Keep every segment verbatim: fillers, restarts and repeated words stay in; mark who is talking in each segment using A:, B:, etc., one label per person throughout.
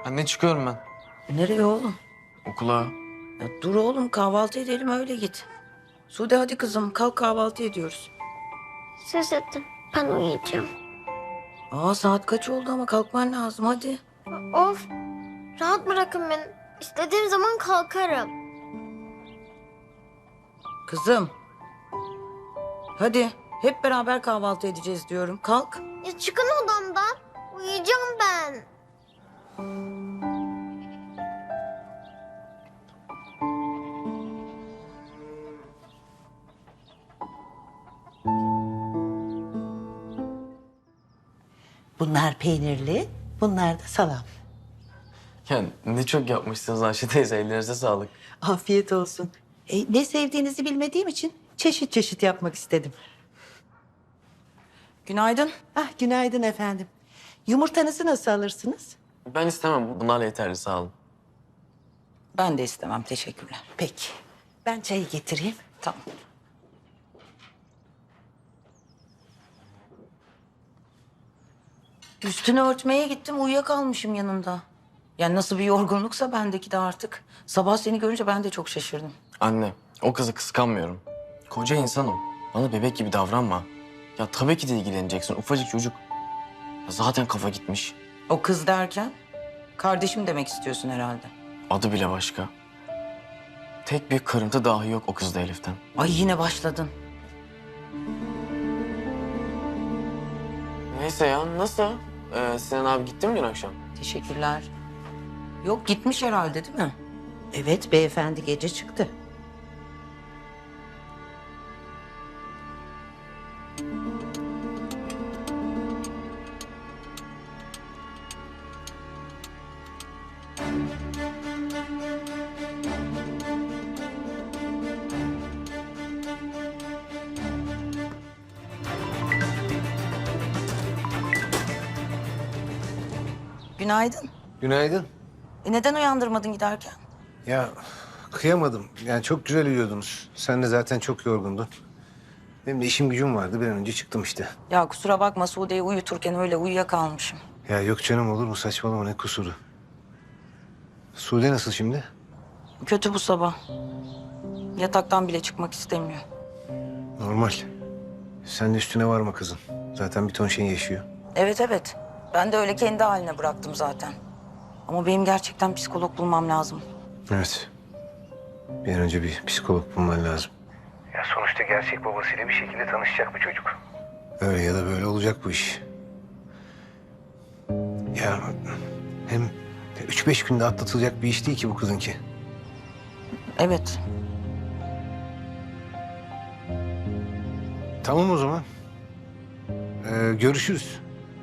A: Anne çıkıyorum ben.
B: Nereye oğlum?
A: Okula.
B: Ya dur oğlum, kahvaltı edelim öyle git. Sude hadi kızım, kalk kahvaltı ediyoruz.
C: Söz ettim. Ben uyuyacağım.
B: Aa, saat kaç oldu ama kalkman lazım hadi.
C: Of. Rahat bırakın beni. İstediğim zaman kalkarım.
B: Kızım. Hadi hep beraber kahvaltı edeceğiz diyorum. Kalk.
C: Ya çıkın odamdan. Uyuyacağım ben.
D: Bunlar peynirli, bunlar da salam.
A: Ya ne çok yapmışsınız Ayşe teyze. Ellerinize sağlık.
D: Afiyet olsun. E, ne sevdiğinizi bilmediğim için çeşit çeşit yapmak istedim.
B: Günaydın.
D: Ah, günaydın efendim. Yumurtanızı nasıl alırsınız?
A: Ben istemem. Bunlarla yeterli sağ olun.
B: Ben de istemem, teşekkürler.
D: Peki, ben çayı getireyim.
B: Tamam. Üstünü örtmeye gittim, uyuyakalmışım yanında. Yani nasıl bir yorgunluksa bendeki de artık. Sabah seni görünce ben de çok şaşırdım.
A: Anne, o kızı kıskanmıyorum. Koca insanım. Bana bebek gibi davranma. Ya tabii ki de ilgileneceksin. Ufacık çocuk. Ya zaten kafa gitmiş.
B: O kız derken kardeşim demek istiyorsun herhalde.
A: Adı bile başka. Tek bir kırıntı dahi yok o kızda Elif'ten.
B: Ay yine başladın.
A: Neyse ya, nasıl? Ee, Sinan abi gitti mi dün akşam?
B: Teşekkürler. Yok, gitmiş herhalde değil mi?
D: Evet, beyefendi gece çıktı.
B: Günaydın.
E: Günaydın.
B: E neden uyandırmadın giderken?
E: Ya kıyamadım. Yani çok güzel uyuyordunuz. Sen de zaten çok yorgundun. Benim de işim gücüm vardı. Bir an önce çıktım işte.
B: Ya kusura bakma, Sude'yi uyuturken öyle uyuyakalmışım.
E: Ya yok canım, olur mu? Saçmalama, ne kusuru. Sude nasıl şimdi?
B: Kötü bu sabah. Yataktan bile çıkmak istemiyor.
E: Normal. Sen de üstüne varma kızın. Zaten bir ton şey yaşıyor.
B: Evet evet. Ben de öyle kendi haline bıraktım zaten. Ama benim gerçekten psikolog bulmam lazım.
E: Evet. Bir an önce bir psikolog bulman lazım. Ya sonuçta gerçek babasıyla bir şekilde tanışacak bu çocuk. Öyle ya da böyle olacak bu iş. Ya hem üç beş günde atlatılacak bir iş değil ki bu kızınki.
B: Evet.
E: Tamam o zaman. Ee, görüşürüz.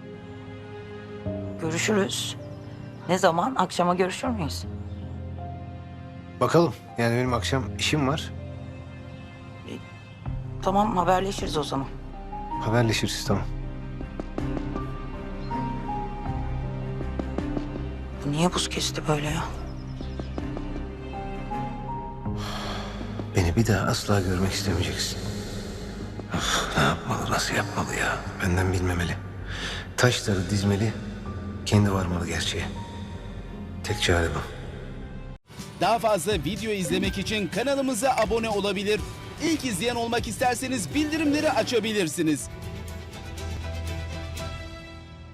B: Görüşürüz. Ne zaman? Akşama görüşür müyüz?
E: Bakalım. Yani benim akşam işim var.
B: Tamam, haberleşiriz o zaman.
E: Haberleşiriz, tamam.
B: Bu niye buz kesti böyle ya?
E: Beni bir daha asla görmek istemeyeceksin. Of, ne yapmalı, nasıl yapmalı ya? Benden bilmemeli. Taşları dizmeli, kendi varmalı gerçeğe. Tek çare bu.
F: Daha fazla video izlemek için kanalımıza abone olabilir. İlk izleyen olmak isterseniz bildirimleri açabilirsiniz.